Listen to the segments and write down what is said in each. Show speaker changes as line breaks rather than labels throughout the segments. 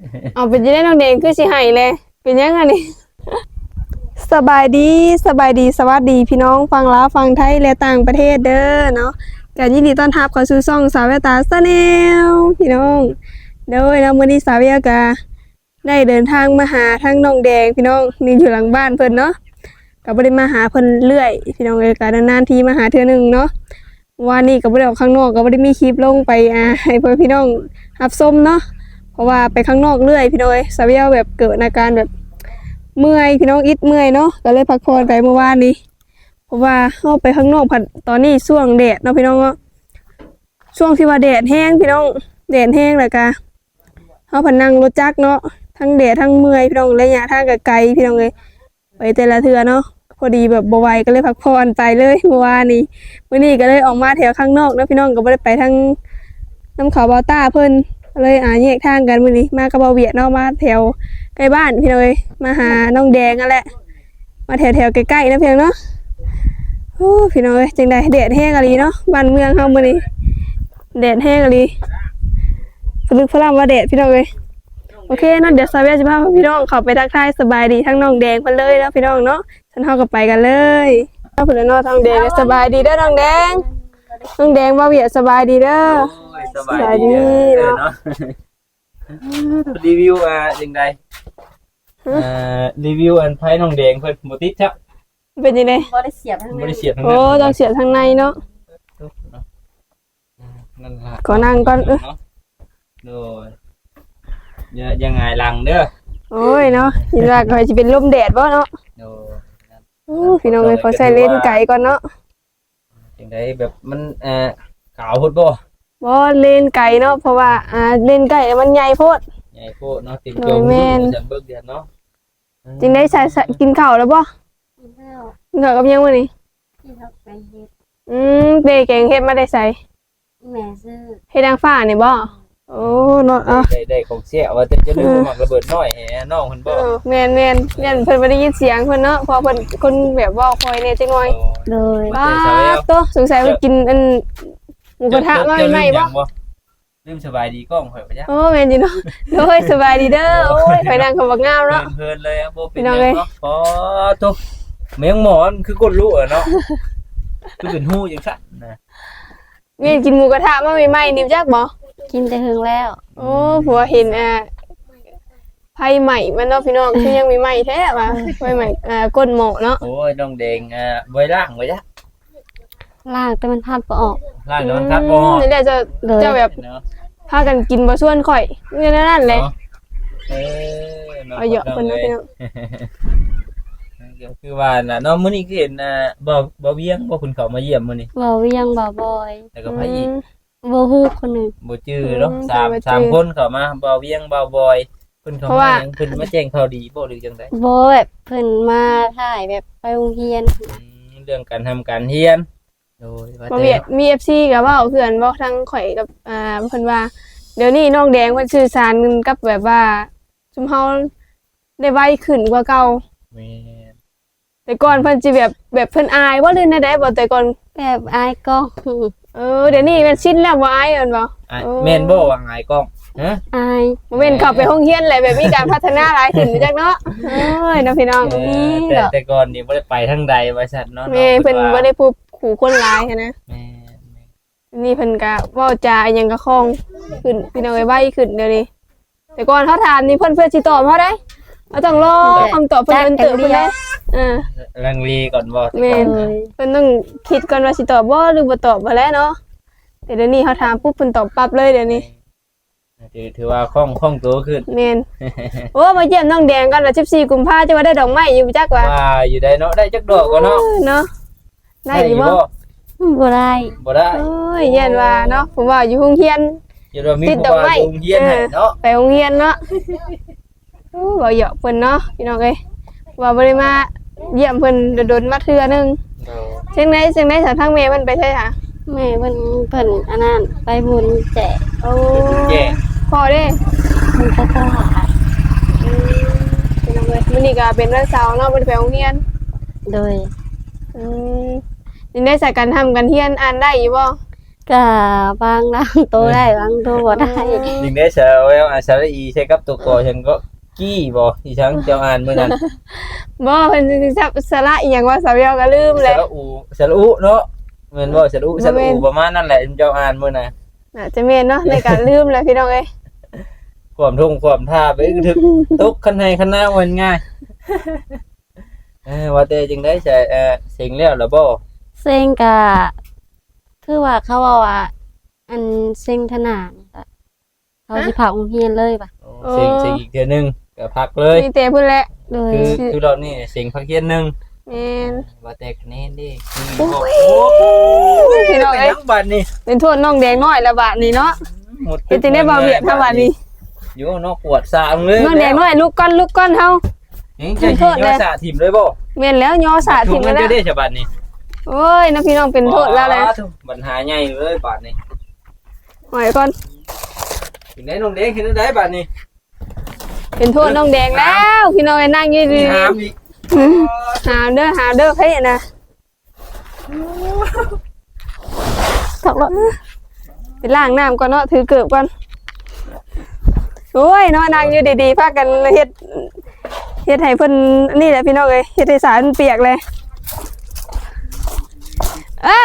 เอาเป็นยังไงน้องแดงคือสิให้เลยเป็นยังไงนี่สบายดีสวัสดีพี่น้องฟังลาวฟังไทยและต่างประเทศเด้อเนาะก็ยินดีต้อนรับเข้าสู่ช่องสาวแววตาชาแนลพี่น้องโดยมื้อนี้สาวแววก็ได้เดินทางมาหาทั้งน้องแดงพี่น้องนี่อยู่หลังบ้านเพิ่นเนาะก็บ่ได้มาหาเพิ่นเรื่อยพี่น้องเอ้ยก็นานๆทีมาหาเทื่อนึงเนาะวันนี้ก็บ่ได้ออกข้างนอกก็บ่ได้มีคลิปลงไปให้เพิ่นพี่น้องรับชมเนาะเพราะว่าไปข้างนอกเรื่อยพี่น้องเอ้ยสาวแววแบบเกิดอาการแบบเมื่อยพี่น้องอิดเมื่อยเนาะก็เลยพักผ่อนไปเมื่อวานนี้เพราะว่าเข้าไปข้างนอกผัดตอนนี้ช่วงแดดเนาะพี่น้องเนาะช่วงที่ว่าแดดแห้งพี่น้องแดดแห้งเลยกะเข้าผัดนั่งรถจักรเนาะทั้งแดดทั้งเมื่อยพี่น้องระยะทางก็ไกลพี่น้องเลยไปแต่ละเทื่อเนาะพอดีแบบบ่ไหวก็เลยพักผ่อนไปเลยเมื่อวานนี้มื้อนี้ก็เลยออกมาแถวข้างนอกเนาะพี่น้องก็บ่ได้ไปทางน้ำเขาบาต้าเพิ่นเลยแยกทางกันมื้อนี้มากับเบาเวียดเนาะมาแถวใกล้บ้านพี่น้องเอ้ยมาหาน้องแดงนั่นแหละมาแถวใกล้ๆนะเพียงเนาะโอ้พี่น้องเอ้ยจังได๋แดดแห้งอะลีเนาะบ้านเมืองเฮามื้อนี้แดดแห้งอะลีฝลึกฝรั่งว่าแดดพี่น้องเอ้ยโอเคเนาะเดี๋ยวสาวแววจะพาพี่น้องเข้าไปทักทายสบายดีทั้งน้องแดงเพิ่นเลยเนาะพี่น้องเนาะฉันเฮาก็ไปกันเลยเพิ่นเนาะทางแดงสบายดีเด้อน้องแดงน้องแดงบ่เวียดสบายดีเด้อ
สบายดีเนาะรีวิวจังไดรีวิวอันไผน้องแดงเพิ่นบ่ติดจ้ะ
เป็นจังได๋
บ่ได้เสียบทั้ง
บ่ได้เสียบทั้ง
โอ้ต้องเสียบทางในเนาะ
นั่นล่ะ
ขอนั่งก่อน
โดยยังไงหลังเด้อ
โอ้ยเนาะยินว่าก็สิเป็นลมแดดบ่เนาะ
โด
พี่น้องเอ้ยขอใส่เลนส์ไก่ก่อนเนาะ
จังไดแบบมันขาวโพดบ่
บ่เลนส์ไก่เนาะเพราะว่าเลนส์ไก่มันใหญ่โพด
ใหญ่โพดเนาะติดจมจะเบิกเดือนเนาะ
จริงได้ใส่กินข้าวแล้วบ่
กินข้าว
กินข้าวกับยังมื้อนี้
กินข้าวไปเฮ็ด
เด้แกงเฮ็ดมาได้ใส่
แม่ซื้อ
เฮ็ดนางฟ้านี่บ่โอ้เนาะ
ได้ของเสียว่าจะลืมหมักระเบิดน้อยแหน้องเพิ่นบ่
แม่นยันเพิ่นบ่ได้ยินเสียงเพิ่นเนาะเพราะเพิ่นคนแบบเว้าคอยแน่จังหน่อย
เลย
โตสงสัยเพิ่นกินอันหมูกระทะมาใหม่ๆบ่
ลืมสบายดีกล้องข่อยบ่จ๊ะ
โอ้แม่นจิเนาะโอ้ยสบายดีเด้อโอ้ยข่อยนั่งก็บ่งามเนาะ
เพลินเลยบ่เป็นหยังเนาะพอตุ๊แมงหมอนคือกดรู้เนาะคือเป็นหู้จังซั่นนะ
แม่นกินหมูกระทะมาใหม่ๆนี่จักบ่
กินแต่หึงแล้ว
โอ้ผัวเห็นไผ่ใหม่มันเนาะพี่น้องคือยังมีใหม่แท้ว่ะไผ่ใหม่ก้นหม้อเนาะ
โอ้ยน้องแดงบ่ล้างบ่จ๊ะ
ล้างแต่มันพัดบ่ออก
ล้างแต่มันพัดบ่ออก
นี่แหละจะแบบพากันกินบ่ส่วนข่อยนี่นั่นแหละเอาเยอะเพิ่นเนาะพี่น้อง
คือว่าน่ะเนาะมื้อนี้คือเห็นบ่เวียงบ่คุณเขามาเยี่ยมมื้อนี้
บ่เวียงบ่บอย
แล้วก็ไผอีก
บ่ฮู้คนนึง
บ่จื้อเนาะ3คนเข้ามาบ่เวียงบ่บอยเพิ่นเข้ามาเพิ่นมาแจ้งข่าวดีบ่หรือจังได๋
บ่แบบเพิ่นมาถ่ายแบบไปโรงเรียน
เรื่องการทำการเรียนโดยว่า
บ่เวียดมี FC ก็เว้าเพื่อนบ่ทั้งข่อยกับเพิ่นว่าเดี๋ยวนี้น้องแดงเพิ่นสื่อสารกับแบบว่าซุมเฮาได้ไวขึ้นกว่าเก่า
แม่
แต่ก่อนเพิ่นสิแบบเพิ่นอายบ่เลยนะได้บ่แต่ก่อน
แบบอายก็
เดี๋ยวนี้มันชินแล้วบ่อายเอิ้นบ่
แม่นบ่ว่าอายกล้องฮะ
อาย
บ่แม่นเข้าไปโรงเรียนแหละแบบมีการพัฒนาหลายขึ้นจักเนาะเอ้ยเนาะพี่น้อง
แต่ก่อนนี่บ่ได้ไปทางใดว่าซั่นเนาะ
แม่เพิ่นบ่ได้พูดขู่คนหลายหันนะ
แม่
นี่เพิ่นก็เว้าจาอิหยังก็คล่องขึ้นพี่น้องไวขึ้นเดี๋ยวนี้แต่ก่อนเฮาถามนี่เพิ่นสิตอบเฮาได้เราต้องรอคำตอบเพิ่นเติบพุ่นได้
ลังเลก่อนบ่
แม่นเพิ่นต้องคิดก่อนว่าสิตอบบ่หรือบ่ตอบบ่แล้วเนาะแต่เดี๋ยวนี้เฮาถามปุ๊บเพิ่นตอบปั๊บเลยเดี๋ยวนี้
ถือว่าคล่องตัวขึ้น
แม่นโอ้มาเยี่ยมน้องแดงกันว่า14กุมภาพันธ์จะว่าได้ดอกไม้อยู่จักว่า
อยู่ได้เนาะได้จักดอกก็เนาะ
ได้อยู่บ่
บ่ได้
โอ้ยยันว่าเนาะผมว่าอยู่โรงเรียน
ติดดอกไม้โรงเรียนเนาะ
ไปโรงเรียนเนาะโอ้บ่เหยาะเพิ่นเนาะพี่น้องเอ้ยว่าบ่ได้มาเยี่ยมเพิ่นโดนมาเทื่อนึงจังได๋สาวทางแม่เพิ่นไปใช่ค่ะ
แม่เพิ่นอันนั้นไปบุญแจก
โอ้พ่อเด้
เพิ่นก็ต้องหา
พี่น้องเอ้ยมื้อนี้ก็เป็นวันเสาร์เนาะบ่ได้ไปโรงเรียน
โดย
นี่ได้ใส่กันทำกันเรียนอ่านได้อยู่บ่
ก็บางนางโตได้บางโตบ่ได้
จริงได้เชลสระอีใช่กับตัวกอฉันก็กี้บ่อีฉันเจ้าอ่านมื้อนั้น
บ่เพิ่นสิจับสระอีหยังว่าสาวเวียวก็ลืม
ส
เลย
ระอูสระอุเนาะแม่นบ่สระอูประมาณนั้นแหละเจ้าอ่านมื้อน่ะ
น่าจะแม่นเนาะในการลืมเลยพี่น้องเอ้ย
ความทุ่งความท่าไปถึกตกคันให้คันหน้าวันง่ายว่าแต่จึงได้ใช้เสียงแล้วล่ะบ่
เซ็งก็คือว่าเขาว่าอันเซ็งถนานก็เขาสิเผาโรงเรียนเลยป่ะ
เสียงอีกเทื่อนึงก็พักเลย
มีแต่พุ่นแหละ
เลย
คือรอบนี้เสียงพักเที่ยงนึง
แม่น
ว่าแต่คะแนนดิ
พี่น้องเอ้ย
ทั้งบัดนี่
เป็นโทษน้องแดงน้อยละบาดนี้เนาะ
หมด
เฮ็ดจังได๋บ่เวียดถ้าบาดนี้
อยู่นอกปวดสามเลย
น้องแดงน้อยลุกก่อนเฮา
ยังจะยิงยอสาถิ่มเลยบ่
แม่นแล้วย่อสาด
ถุ
ทิ้
ง
ง
มั
แล้
น
ว
จะได้ฉบับนี้
โอ้ยน้าพี่น้องเป็นโทษแล้วแหละ
ปัญหาใหญ่เลยบาดนี้
หอยก่อน
ถึงได้น้องเด็กเห็นได้บาดนี้
เป็นโทษน้องแดงแล้วพี่น้องไอ้นั่งอยู่ดี
หามอีก
ๆหาเด้อเฮ้ยนะ
ตกรถ
ไปล้างน้ำก่อนเนาะถือเกือบก่อนโอ้ยเนาะนั่งอยู่ดีๆพากันเฮ็ดให้เพิ่นนี่แหละพี่น้องเอ้ยเฮ็ดให้สารเปียกเลยเอ้า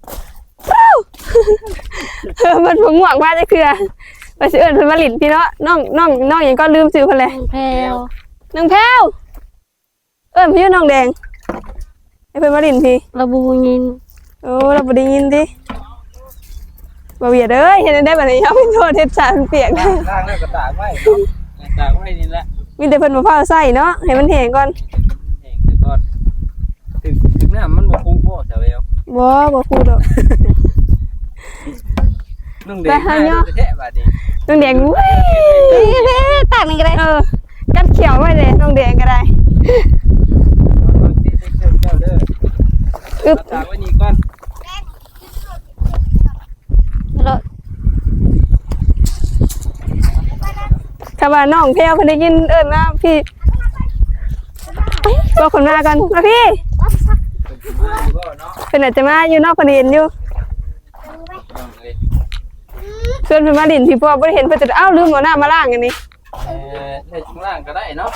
มันบ่ง่วงว่าจะคือว่าสิเอิ้นเพิ่นมาหลินพี่เนาะน้องหยังก็ลืมชื่อเพิ่นเลย
แพรว
น้องแพรวเอิ้นพี่น้องแดงให้เพิ่นมาหลินพี่
ระบูยิน
โอ้เราบ่ได้ยินดิบ่เวียดเอ้ยเฮ็ดได้บัดนี้เอาเป็นโทษเฮ็ดสารเปียกนะ
ล้างแล้วก็ตากไว้ตากไว้นี่แหละ
มีแต่เพิ่นบ่พาใส่เนาะให้มันแห้งก่อน
แห้งแต่ก่อนถึงน้ำมันบ่คุ้มบ่สาวเอว
บ่พูดดอก
น้องเด็กแท้บาดนี้
น้องแดงเว้ย
ตากนี่ก็ได้
กัดเขียวไว้เลยน้องแดงก็ได้
เจ้าเด้อ
อึบ
ตากไว้นี่ก่อน
รถ
ถ้าว่าน้องแพรวเพิ่นได้ยินเอิ้นว่าพี่บอกคนมากันมาพี่
มาอยู่บ่เนาะ
เพิ่นอาจจะมาอยู่นอกเพิ่นเห็นอยู่
น้องเอ้ย
เพิ่นมาดินพี่พ่อบ่ได้เห็นเพิ่นจะอ้าวลืมเอาน้ามาล้างอันนี้
ในช่วงล่างก็ได้เนาะ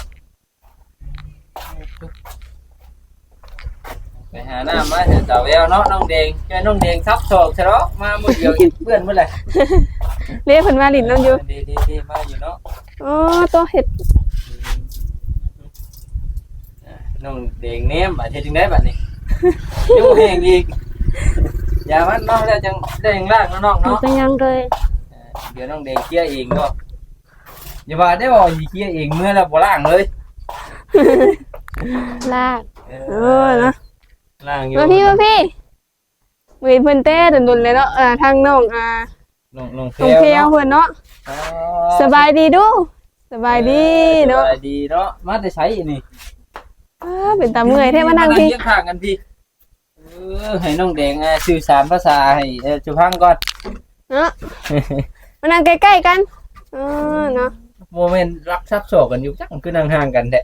ไปหาหน้ามาเถอะสาวเอวเนาะน้องแดงเจอน้องแดงทับศอกซะเนาะมามื้อเดียวอีกเพื่อนเมื่อไหร่
เรียกเพิ่นมาดินนํอยู่
ดีมาอยู่เนาะ
อ๋อตัวเห็ด
น้องแดงเนมบัดเฮ็ดจังได๋บัดนี้ยังแห้งอีกอย่ามันเนาะแล้วจังได้ยังล่างเนาะ
มัน
เนาะ
เป็นยังเลย
เดี๋ยวน้องแดงเคลียร์เองก็อย่าว่าได้บ่สิเคลียร์เองเมื่อแล้วบ่ล้างเลย
ลาก
นะ
ล้างอยู่
มาพี่มือเพิ่นเต้ดุนๆเลยเนาะทางน้อง
น้อง
น้องเพลเพิ่นเนาะสบายดีดูสบายดีเนาะ
สบายดีเนาะมาแต่ใช้นี่
เป็นตาเมื่อยแท้มานั่งพี่
เรียกข้างกันพี่ให้น้องแดงสื่อสารภาษาให้จุพังก่อน
เนาะมานั่งใกล้ๆกันเนาะ
โมเมนต์รักซับโศกกันอยู่จังคือนั่งห่างกันแท้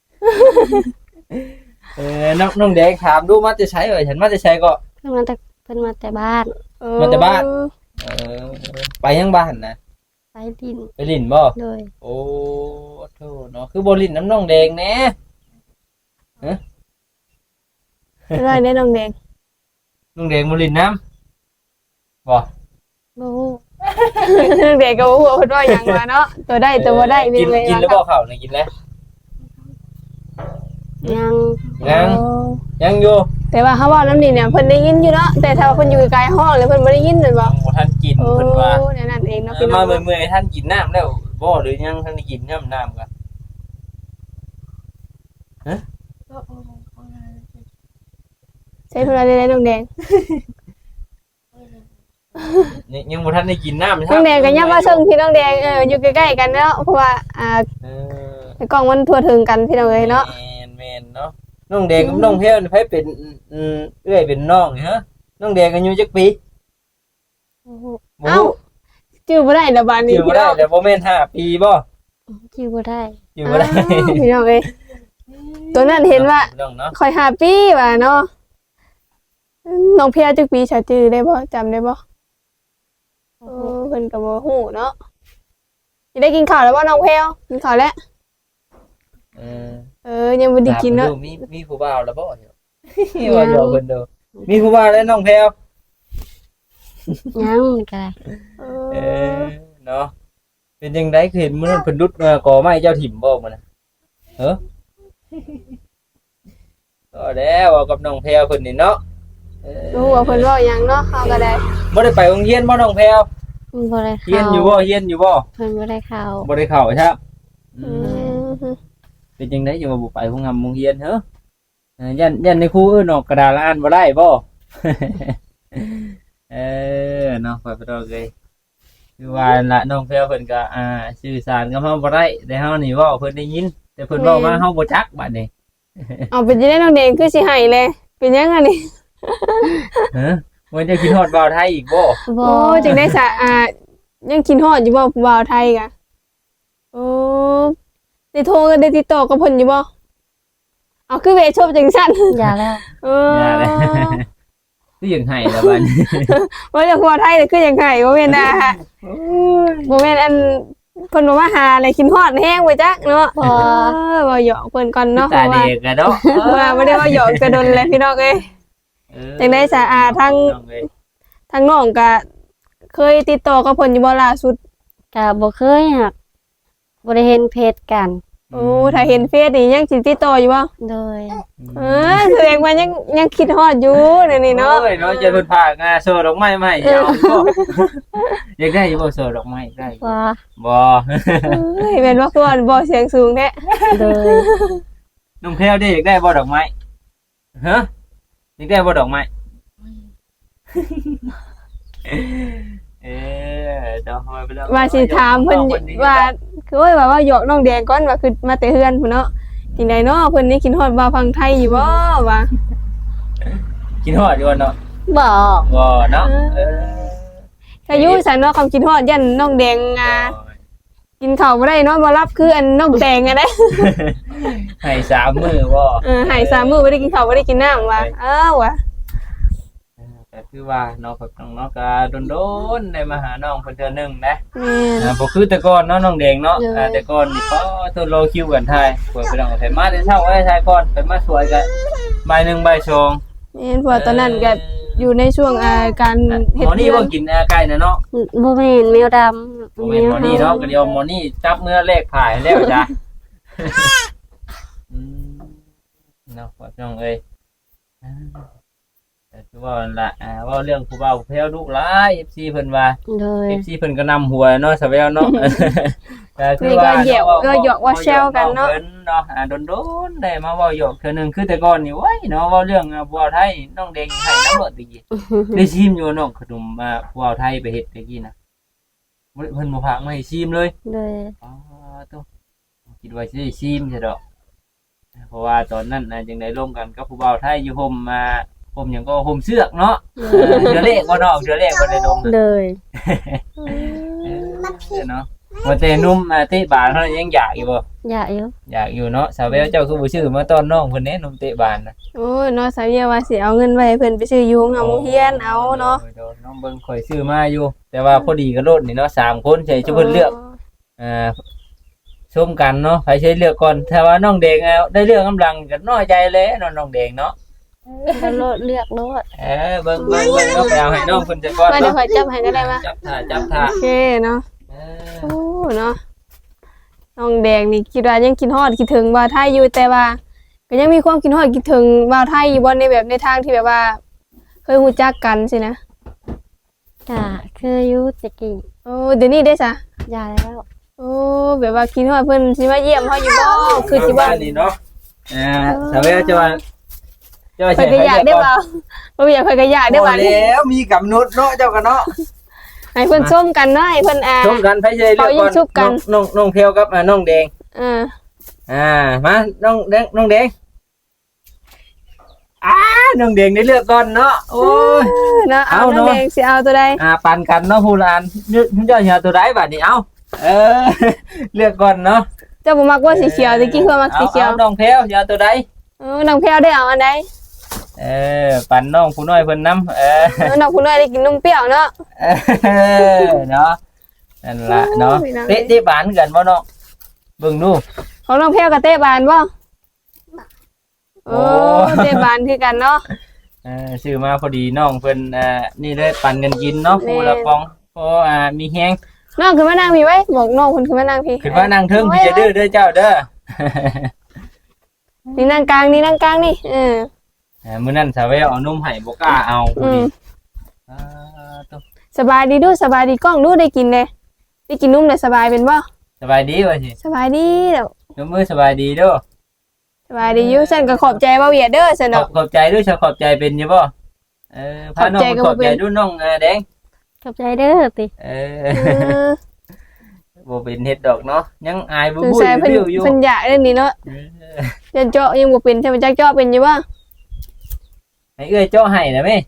น้องแดงถามดูมาจะใช้เอ่ยฉันมาจะใช้ก็
เพิ่นมาแต่บ้าน
มาแต่บ้านไปยังบ้านนะ
ไปดิน
ไปลินบ่
เลย
โอ้โธ่เนาะคือบ่ลินน้ำน้องแดงแน่
ได้แน่น้องแดง
น้องแดงบ่ลินน้ำบ่
บู
น้องแดงก็บ่ฮู้ว่าเพิ่นว่าหยังว่าเนาะตัวได้ตัวบ่ได้มี
กิน
เลย
กินแล้วบ่ข้าวนี่กินแล้ว
ยัง
ยังอยู่
แต่ว่าเขาเว้าน้ำนี่เนี่ยเพิ่นได้ยินอยู่เนาะแต่ถ้าเพิ่นอยู่ไกลห้องเลยเพิ่นบ่ได้ยินแม่นบ่
บ่ทันกิน
โอ้
เพิ่นว่า
นั่นเองเนาะพี่น้
มา
อง
เมื่อยๆท่านกินน้ำแล้วบ่หรือยังท่านได้กินน้ำกัน
ใช้เพิ่นว่าได้น้องแดง
ยังบ่ทันได้กินน้ำ
น้องแดงก็ยับว่าซึ่งพี่น้องแดงอยู่ใกล้ๆกันเนาะเพราะว่ากล้องมันทั่วถึงกันพี่น้องเอ้ยเนาะ
แม่นเนาะน้องแดงกับน้องเพลนี่ไผเป็นเอื้อยเป็นน้องนี่ฮะน้องแดงอายุจักปีบ่
เอ้าชื่อบ่ได้ละบาดนี้
ชื่อบ่ได้แต่บ่แม่น5ปีบ่
ชื่อบ่ได้
ชื่อบ่ได้
พี่น้องเอ้ยตัวนั้นเห็นว่า
น้องเนาะ
ค่อย5ปีว่าเนาะน้องเพียจักปีชาจื้อได้บ่จำได้บ่เพิ่นก็บ่ฮู้เนาะสิได้กินข้าวแล้วบ่น้องแพรวกินข้าวแล้ว
เออ
ยังบ่ได้กินเนาะ
มีผู้บ่าวแล้วบ่ว่าอยู่เพิ่นเด้อมีผู้บ่าวแล้วน้องแพรว
ยังก็ได้
เออเนาะเป็นจังได๋คือเห็นมื้อนั้นเพิ่นดุดก่อไม้เจ้าถิ่มบ่มื้อน่ะก็แล้วเว้ากับน้องแพรวเพิ่นนี่เนาะ
รู้ว่าเพิ่นเว้าหยังเนาะเฮาก็ได้
บ่ได้ไปโรงเรียนบ่น้องแพรว
บ่ได้
เรียน
เข้า
อยู่บ่เรียนอยู่บ่
เพิ่นบ่ได้เข้า
บ่ได้เข้าครับ
อืม
เป็นจังได๋อยู่ว่าบ่ไปโรงเรียนเหรยันในครูออกกระดาษอ่านบ่ได้บ่ เนาะไปบ่ได้เลยคือว่าละน้องแพรวเพิ่นก็สื่อสารกับเฮาบ่ได้แต่เฮานี่เว้าเพิ่นได้ยินแต่เพิ่นเว้ามาเฮาบ่จักบัดนี้
เอาเป็นจังได๋น้องแดงคือสิให้เลยเป็นหยังอันนี้
มันจะคิดฮอดบ่าวไทยอีกบ่
บ่
โอ้จังได้ซะยังกินฮอดอยู่บ่ผู้บ่าวไทยกะโอ้ได้โทรกันได้ติดต่อกับเพิ่นอยู่บ่เอาคือเวชบจังซั่น
อย่าแล้ว
อย่าเลย คือยังให้แล้วบัดนี้
ว่าจากผู้บ่าวไทยนี่คือจังไห้บ่แม่นบ่แม่นอันเพิ่นบ่มาหาอะไรกินฮอดแฮงไว้จักเนาะบ่หยอกเพิ่นก่อนเนาะเพ
ตา
ราะว่า
เด็กอะเนาะ
ว่าบ่ได้ว่าหยอกกระดนเลยพี่น้องเอ้ยจังได้ซะทั้งน้องก็เคยติดต่อกับเพิ่นอยู่บ่ล่าสุด
ก็บ่เคยหักบ่ได้เห็นเพจกัน
โอ้ถ้าเห็นเฟซนี่ยังสิติดต่ออยู่บ่
โดย
แสดงว่ายังคิดฮอดอยู่นี่เนาะ
โอ้ยเนาะจะเพิ่นพากโซดอกไม้มาให้ยาวบ่อยากได้อยู่บ่โซดอกไม้ได้
ว่า
บ่
เฮ้ยแม่นบ่คือว่าบ่เสียงสูงแท้
โดย
น้องแพรวได้อยากได้บ่ดอกไม้ฮะอยากได้บ่ดอกไม้เนาะไปแล้ว
ว่าสิถามเพิ่นว่าคือว่าหยอกน้องแดงก่อนว่าคือมาแต่เฮือนพุ่นเนาะจังไดเนาะเพิ่นนี่คิดฮอดบ่าวฟังไทยอยู่บ่ว่า
กินฮอดอยู่เนาะ
บ่
บ่เนาะ
ถ้าอยู่ซั่นเนาะคำคิดฮอดยันน้องแดงกินข้าวบ่ได้เนาะบ่รับคืออันน้องแดงอะเด้
ให้3มื้อบ่
ให้3มื้อบ่ได้กินข้าวบ่ได้กินน้ำว่ะว่ะ
ก็คือว่าน้องกับน้องเนาะก็โดนๆได้มาหาน้องเพิ่นเทื่อนึงนะ
แม่น
บ่คือแต่ก่อนเนาะน้องแดงเนาะแต่ก่อนนี่ก็ทดรอคิวกันทายเปิดไปน้องไปมาแต่เช้าไว้ทายก่อนไปมาสวยกันบ่าย1บ่าย2
แม่นเพราะว่าตอนนั้นก็อยู่ในช่วงการเฮ็ด
หมอนี่บ่กินไก่นะเนาะ
บ่แม่นแมวดำ
บ่แม่นหมอนี่เนาะก็เดี๋ยวหมอนี่จับเมื่อเลขผ่ายแล้วจ้ะเนาะว่าน้องเอ้ยแต่คือว่าล่ะว่าเรื่องผู้บ่าวผู้แพ้วลูกหลาย FC เพิ่นว่า
โดย
FC เพิ่นก็นำหัวเนาะสะแววเนาะแต่คือ
นี่
ว่า
ก็เหยียบก็หยอกว่าแซวกันเนาะ
เนาะโดนๆได้มาเว้าหยอกเทื่อนึงคือแต่ก่อนนี่โอ้ยเนาะเว้าเรื่องบัวไทยน้องแดงให้น้ำรถตะกี้ได้ชิมอยู่น้องขนมบัวไทยไปเฮ็ดตะกี้น่ะเพิ่นบ่พากมาให้ชิมเลย
โดย
อ๋อตัวคิดว่าสิได้ชิมซะดอกเพราะว่าตอนนั้นน่ะจังได้ร่วมกันกับผู้บ่าวไทยอยู่ห่มห่มหยังก็ห่มเสือกเนาะเดือเลขบ่น้องเดือเลขบ่ได้ลง
โดย
เนาะว่าแต่นุ่มเตะบานเฮายังอยากอยู่บ่
อยากอยู่
อยากอยู่เนาะสาวแววเจ้าคือบ่ชื่อมาตอนน้องเพิ่นแน่นุ่มเตะบานน่ะ
โอ้ยเนาะสาวเยาว่าสิเอาเงินไว้ให้เพิ่นไปซื้ออยู่โรงเรียนเอาเนาะ
โดนน้องเบิ่งข่อยซื้อมาอยู่ แต่ว่าพอดีกับรถนี่เนาะ3คนใช่จะเพิ่นเลือกชมกันเนาะใครใช้เลือกก่อนถ้าว่าน้องแดงได้เลือกกำลังก็น้อยใจเลยเนาะน้องแดงเนาะ
ก็โลดเลือกโลด
เบิ่งเนาะไปเอาให้น้องเพิ่นจะก่อน
ว่าเดี๋ยว
เนาะ
ข่อยจับให้ก็ได้ป่ะ
จับท่า
โอเคเนาะโอ้เนาะน้องแดงนี่คิดว่ายังคิดฮอดคิดถึงบ่าวไทยอยู่แต่ว่าก็ยังมีความคิดฮอดคิดถึงบ่าวไทยอยู่บ่ในแบบในทางที่แบบว่า เคยรู้จักกันสินะ
ก็คืออยู่ตะกี้
โอ้เดี๋ยวนี้ได้ซะ
อย่าแล้ว
โอ้แบบว่าคิดฮอดเพิ่นสิมาเยี่ยมเฮาอยู่บ่คือสิบ่
นี่เนาะสาวแววจะว่า
ข่อยก็อยากได้บ่บ่อยากข่อยก็อยากได้บ่
แล้วมีกำหนดเนาะเจ้ากันเนาะ
ให้เพิ่นส้มกันเนาะให้เพิ่น
ชมกันไผใช้เลือกก่อนน้องเพียวกับน้องแดง มาน้องแดงน้องแดงได้เลือกก่อนเนาะโอ้ย
เนาะเอาน้องแดงสิเอาตัวใด
ปั่นกันเนาะผู้ลานเจ้าเอาตัวใดบัดนี้เอาเลือกก่อนเนาะ
เจ้าบ่มักว่าสีเขียวตะกี้คือมักสีเขียว
น้องเพียวเอาตัวใด
น้องแพรวได้เอาอันใด
ปั่นน้องผู้น้อยเพิ่นนำ
น้องผู้น้อยได้กินนมเปรี้ยวเนาะ
เนาะนั่นล่ะเนาะเตะบานกันบ่เนาะเบิ่งดู
ของน้องแพรวกับเต้บานบ่โอ้เต้บานคือกันเนาะ
ซื้อมาพอดีน้องเพิ่นนี่เลยปั่นกันกินเนาะผู้ละปองพอมีแฮง
น้องขึ้นมานั่งพี่ไว้บอกน้องเพิ่นขึ้นมานั่งพี่
ขึ้นมานั่งเทิงพี่จะดื้อเด้อเจ้าเด้อ
นี่นั่งกลางนี่นั่งกลางนี่
มื้อนั้นสาวแววเอานมให้บ่กล้าเอาผู้นี้ตุ๊
สบายดีดูสบายดีกล้องดูได้กินเลยได้กินนุ่มเลยสบายเป็นบ่
สบายดีว่าสิ
สบายดีเด้อย
กมือสบายดีเด้อ
สบายดีอยู่ฉันก็ขอบใจบ่เวียดเด้อซั่นเนาะ
ขอบใจด้วยขอบใจเป็นอยู่บ่พาน้องขอบใจด้วยน้องแดง
ขอบใจเด้อติ
บ่เป็นเฮ็ดดอกเนาะยังอายบ่
สง
บุ้
สัย
ย
เพิ่น
วิวอยู่
เพิ่นอยากเรื่องนี้เนาะยันเจาะยังบ่เป็นใช่มั้ยจักเจาะเป็นอยู่บ่
ให้เอ้ยเจาะให้นะแม่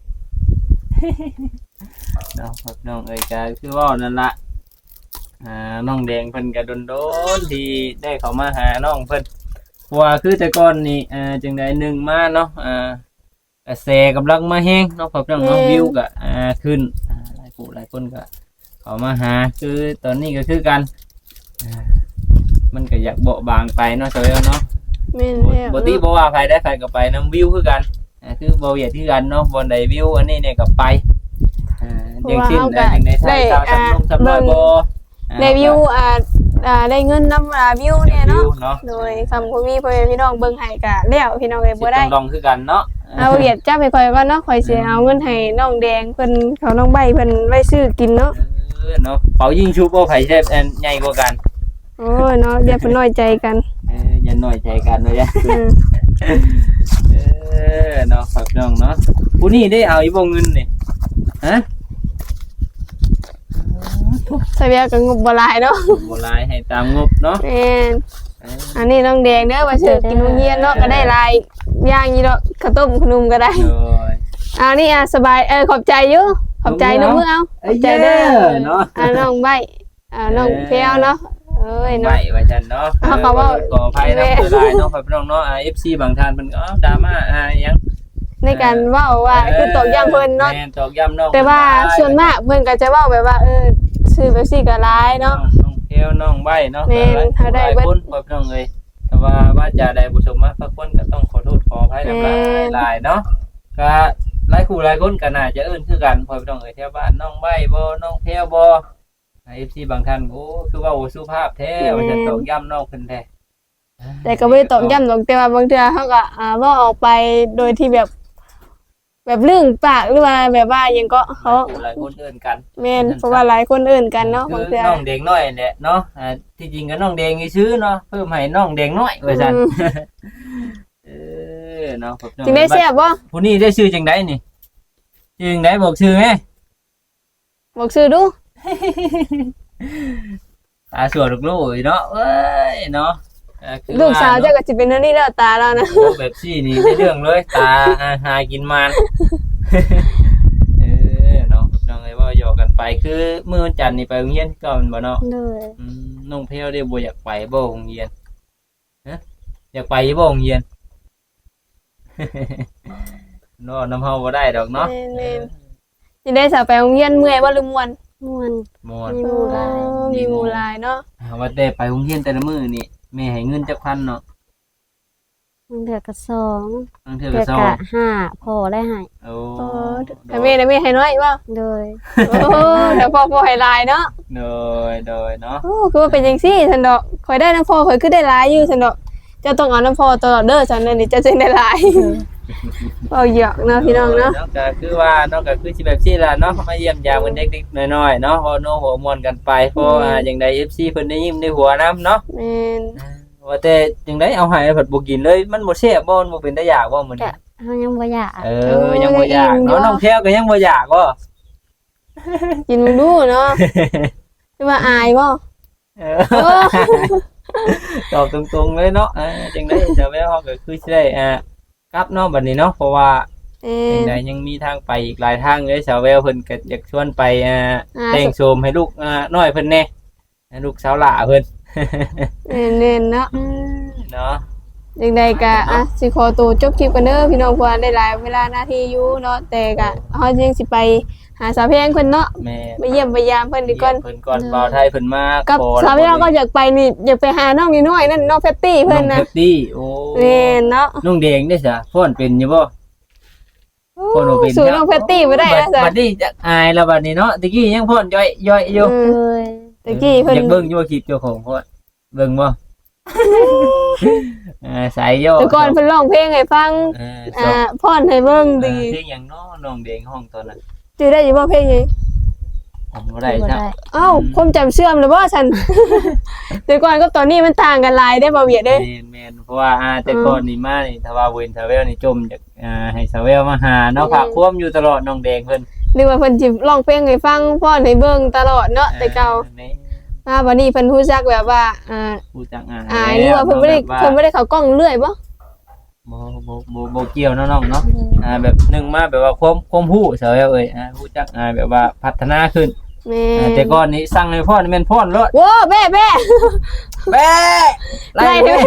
เนาะครับน้องเอ้ยก็คือว่านั่นล่ะน้องแดงเพิ่นก็โดนๆที่ได้เข้ามาหาน้องเพิ่นเพราะว่าคือแต่ก่อนนี่จังได๋นึงมาเนาะกระแสกำลังมาแฮงเนาะครับน้องเนาะวิวก็ขึ้นหลายผู้หลายคนก็เข้ามาหาคือตอนนี้ก็คือกันมันก็อยากเบาบางไปเนาะเจ้าเนาะ
แม่นแล้ว
บ่ติบ่ว่าใครได้ใครก็ไปนํวิวคือกันคือบ่เหยียดคือกันเนาะบ่ได้วิวอันนี้เนี่ยก็ไปอย่างเช่นอย่างในไทยชาวสำน้อยบ่
ได้วิวได้เงินนำวิวเนี่ยเนาะโดยคำบ่มีพ่อแม่พี่น้องเบิ่งให้ก็แล้วพี่น้องเอ้ยบ่ได้
ต้องคือกันเนาะ
เอาเวียดจับให้ข่อยก่อนเนาะข่อยสิเอาเงินให้น้องแดงเพิ่นเขาน้องใบเพิ่นไว้ซื้อกินเนาะ
เนาะเป่ายิงชุบบ่ไผแซ่บใหญ่กว่ากัน
โอ้ยเนาะอย่าเพิ่นน้อยใจกัน
อย่าน้อยใจกันเนาะอย่าเนาะครับน้องเนาะผู้นี้ได้เอาอีบ่เงินนี่ฮะ
ใส่เวียก็งบบ่หลายเนาะ
บ่หลายให้ตามงบเนาะ
แม่นอันนี้น้องแดงเด้อว่าซื้อกินโรงเรียนเนาะก็ได้หลายอย่างอยู่เนาะข้าวต้มขนมก็ได้
โอ้ย
เอานี่สบายขอบใจอยู่ขอบใจน้องมือเอาขอบใจเด้อ
เนาะ
น้องใบน้องเพียวเนาะเอ้ย
ไม่
เนาะ
ว่าฉันเนาะ
เขาว่า
ขออภัยนะคือหลายเนาะครับพี่น้องเนาะFC บางท่านเพิ่นก็ดราม่ายัง
ในการเว้าว่าคือตอกย้ำเพิ่นเนาะ
แม่นตอกย้ำน้อง
แต่ว่าส่วนมากเพิ่นก็จะเว้าแบบว่าซื้อแบบซี่ก็หลายเนาะ
น้องเทวน้องใบเนาะ
แม่นเขาได้
หลายคนครับพี่น้องเอ้ยแต่ว่าจะได้ผู้ชมมาสักคนก็ต้องขอโทษขออภัยนำหลายเนาะก็หลายคู่หลายคนก็น่าจะเอิ้นคือกันพ่อพี่น้องเอ้ยแถวบ้านน้องใบบ่น้องเทวบ่FC บางท่านโอ้คือว่าโอ้สุภาพแท้ว่าจะตอกย้ำน้องเพิ่นแท้
แต่ก็ไม่ได้ตอกย้ำหรอกแต่ว่าบางเทื่อเขาก็เว่าออกไปโดยที่แบบลื่นปากหรือว่าแบบว่าหยังก็เขา
หลายคนเอิ้นกัน
แม่นเพราะว่าหลายคนเอื่นกันเนาะบางเทื่อ
น้องแดงน้อยแหละเนาะที่จริงก็น้องแดงซื้อเนาะเพิ่มให้น้องแดงน้อยว่าซั่นเนาะครับ
จึงได้เสียบบ่
ผู้นี้ได้ชื่อจังไดนี่ชื่อจังไดบอกชื่อแม่
บอกชื่อดู
ตาสวยลูกๆเนาะเอ้ยเนาะ
ลูกสาวเจ้าก็สิเป็นอันนี้แล้วตาแล้วนะ
แบบซี่นี่ได้เรื่องเลยตาหากินมันเนาะน้องเอ้ยว่าหยอกกันไปคือมื้อวันจันทร์นี่ไปโรงเรียนก็มันบ่เนาะ
เลย
น้องเพลได้บ่อยากไปบ่โรงเรียนฮะอยากไปบ่โรงเรียน เนาะน้ำเฮาบ่ได้ดอกเนาะ
แม่นๆสิได้สาวไปโรงเรียนเมื่อยบ่หรือม่วน
ม่วน
ม่วน
มีหมู่หลาย
มีหมู่หลายเนาะ
ว่าแต่ไปโรงเรียนแต่ละมื้อนี่แม่ให้เงินจักพันเนาะ
มันเดือกก็สอง
บางเทื่อ
เดื
ก็
อก
สอง
ก็ห้าพอได้ให้
โอ้
แต่แม่นะแม่ให้น้อยบ่
เลย
โอ้เดี๋ยวพ่อให้หลายเนาะ
โดยเนาะ
โอ้คือว่าเป็นจังซี่ซั่นดอกข่อยได้น้ำพ่อข่อยคือได้หลายอยู่ซั่นดอกเจ้าต้องเอาน้ำพ่อตลอดเด้อซั่นนั่นนี่เจ้าจึงได้หลายเอาหยอกเนาะพี่น้องเนาะ
ก็คือว่าเนาะก็คือสิแบบซี่ล่ะเนาะมาเยี่ยมยามกันเด็กๆน้อยๆเนาะเว้าโน้หัวม่วนกันไปเพราะจังได๋ FC เพิ่นได้ยิ้มได้หัวนํเนาะ
แม่น
ว่าแต่จังได๋เอาให้เพิ่นบ่กินเลยมันบ่แซ่บบ่มันบ่เป็นตาอยากบ่มื้อนี้
เฮายังบ่อยาก
ยังบ่อยากเนาะน้องแพรวก็ยังบ่อยากบ่
กินมึงดูเนาะคือว่าอายบ่
ตอบตรงๆเลยเนาะจังได๋เจ้าแม่เฮาก็คือสิได้กลับเนาะบัดนี้เนาะเพราะว่าจังได๋ยังมีทางไปอีกหลายทางเลยสาวแววเพิ่นก็อยากชวนไปแต่งโฉมให้ลูกน้อยเพิ่นแน่ลูกสาวหล่าเพิ่น
เน่นๆเนาะ
เนาะ
จังใดก็อ่ะสิขอตัวจบคลิปกันเด้อพี่น้องเพราะว่าได้หลายเวลานาทีอยู่เนาะแต่ก็เฮายังสิไปหาสาวแพงเพิ่นเนาะ
แม่
ไปเยี่ยมไปยามเพิ่นดีก่อน
เพิ่นก่อนบ่าวไทยเพิ่นมา
กับสาวแพงก็อยากไปนี่อยากไปหาน้องน้อยๆนั่นน้องแพตตี้เพิ่น
น้
นะ
องเพชรตี้โอ้
แม่นเนาะ
น้องแดงได้ซะฟ้อนเป็นอยู่บ่ฟ้อนบ่เป็น
สู่น้องแพตตี้บ่ได้นะจ๊ะ
บัดนี้จะอายแล้วบัดนี้เนาะตะกี้ยังฟ้อนย่อยอยู่
เลย
ตะกี้เพิ่น
อยากเบิ่งอยู่ว่าคลิปเจ้าของฟ้อนเบิ่งบ่สายย่อ
แต่ก่อนเพิ่นร้องเพลงให้ฟัง
สอง
พรให้เบิ่งดี
เพลงหยังเนาะน้องแดงห้องตอนนั้น
จื้อได้อยู่บ่เพลงหยัง
ผมบ่ได้จ้ะ
เอ้าความจำเสื่อมหรือบ่ฉัน แต่ก่อนกับตอนนี้มันต่างกันหลายได้บ่เวียดเด้
แม่นเพราะว่าแต่ก่อนนี่มานี่ถ้าว่าเว้นทาเวลนี่จมจากให้ทาเวลมาหาเนาะฝากควมอยู่ตลอดน้องแดงเพิ่น
หรือว่าเพิ่นสิร้องเพลงให้ฟังพรให้เบิ่งตลอดเนาะแต่เก่า
แม่
มาวันนี้เพิ่นรู้จักแบบว่า
ผู้จัก
หรือว่าเพิ่นบ่ได้เข้ากล้องเรื่อยบ่
บ่เกี่ยวเนาะน้องเนาะแบบหนึงมาแบบว่าความรู้เสาเอ้ยผู้จักแบบว่าพัฒนาขึ้น
แม่
แต่ก่อนนี้สั่งให้พ่อนี่แม่นพ่อนรถ
โว้แม่
แม่ไล่แม่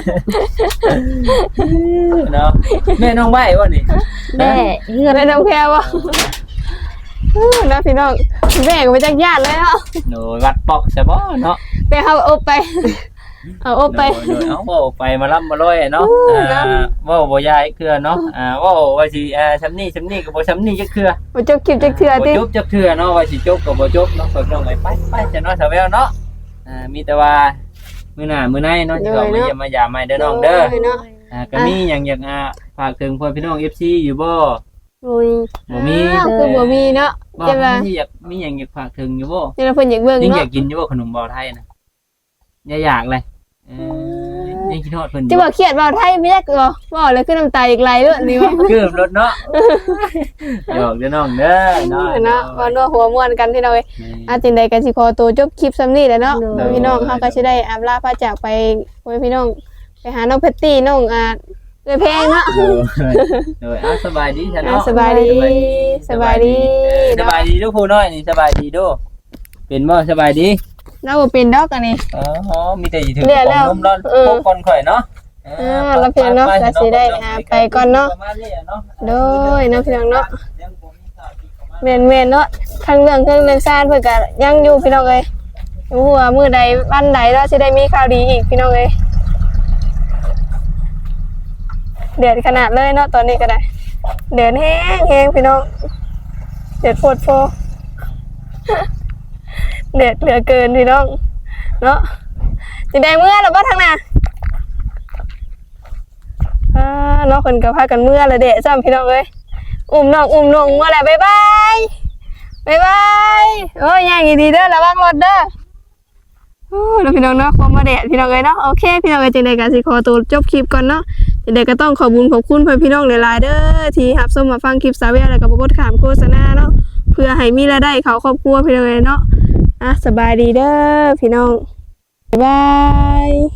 เนาะแม่น้องใบ้บ่นี่
แม่เฮือน
แม่น้องแพรบ่นะพี่น้องแม่ก็ไปจักญาติเลยเนาะ
โดยวัดปอกใช่บ่เนาะ
ไปเอาอบไปเอาอบไป
โดยเอาเว้าไปมาล่ำมาลอยเนาะเว้าบ่ยายเครือเนาะเว้าว่าสิซำนี้ก็บ่ซำนี้จักเครือ
บ่จบคลิปจักเทื่อ
บ่
ติ
จบจักเครือเนาะว่าสิจบก็บ่จบเนาะเพิ่นน้องไปจะเนาะสาวแววเนาะมีแต่ว่ามื้อหน้ามื้อไหนเนาะสิเข้ามาเยี่ยมมายามใหม่เด้อน้องเด้อ
เนาะ
ก็มีหยังอยากฝากถึงพ่อพี่น้อง FC อยู่บ่
อุ้ย
บ่มี
คือบ่มีเนาะ
บ่
จะว่า
มีอยากมีหยังอยากฝากถึงอยู่บ่
จะว่าเพิ่นอยากเบิ่ง
ยังอ
เนาะ
ยากกินอยู่บ่ขนมบ่าวไทยนะอยากเลยยังคิดฮอดเพิ่นอยู่
จะว่าเครียดบ่าวไทยไม่อยากบ่บ่เลยคือน้ำตาอีกไหลเลยนี่ว่า
เกือบรถเนาะหยอกเด้อน้องเด้อเนาะ
เนาะว่านัวหัวม่วนกันพี่น้องเอ้ยจังใดก็สิขอตัวจบคลิปซ้ำนี้แหละเนาะพี่น้องเฮาก็สิได้อาลาพาจากไปพี่น้องไปหาน้องเพตตี้น้องเอ้ยเพลงเนาะ
โดยสบายดีซะเนาะ
สบายดีสบายดี
สบายดีทุกผู้น้อยนี่สบายดีโดเป็นบ่สบายดี
เราบ่เป็นดอกอันนี้
อ๋อมีแต่สิถึง
เรียกแล้ว
นมร้อนพบก่อนข่อยเนาะ
แล้วพี่น้องเนาะก็สิได้ไปก่อนเนาะโดยเนาะพี่น้องเนาะแม่นๆเนาะทั้งเรื่องซ่านเพิ่นก็ยังอยู่พี่น้องเอ้ยบ่ฮู้ว่ามื้อใดวันใดเราสิได้มีข่าวดีอีกพี่น้องเอ้ยเดือดขนาดเลยเนาะตอนนี้ก็ได้เดือดแห้งพี่น้องเดือดโพดโพเดือดเหลือเกินพี่น้องเนาะสิได้เมื่อแล้วบ่ทางน่ะเนาะเพิ่นก็พากันเมื่อละเดะซ้ำพี่น้องเอ้ยอุ้มน้องเมื่อแล้วบ๊ายบายโอ้ยย่างดีๆเด้อระวังรถเด้อโอ้แล้วพี่น้องเนาะคมมาแดดพี่น้องเอ้ยเนาะโอเคพี่น้องเอ้ยจังได๋ก็สิขอตัวจบคลิปก่อนเนาะจังได๋ก็ต้องขอบคุณเพื่อนพี่น้องหลายๆเด้อที่รับชมมาฟังคลิปสาวแววแล้วก็บ่กดข้ามโฆษณาเนาะเพื่อให้มีรายได้เข้าครอบครัวพี่น้องเอ้ยเนาะสบายดีเด้อพี่น้องบ๊ายบาย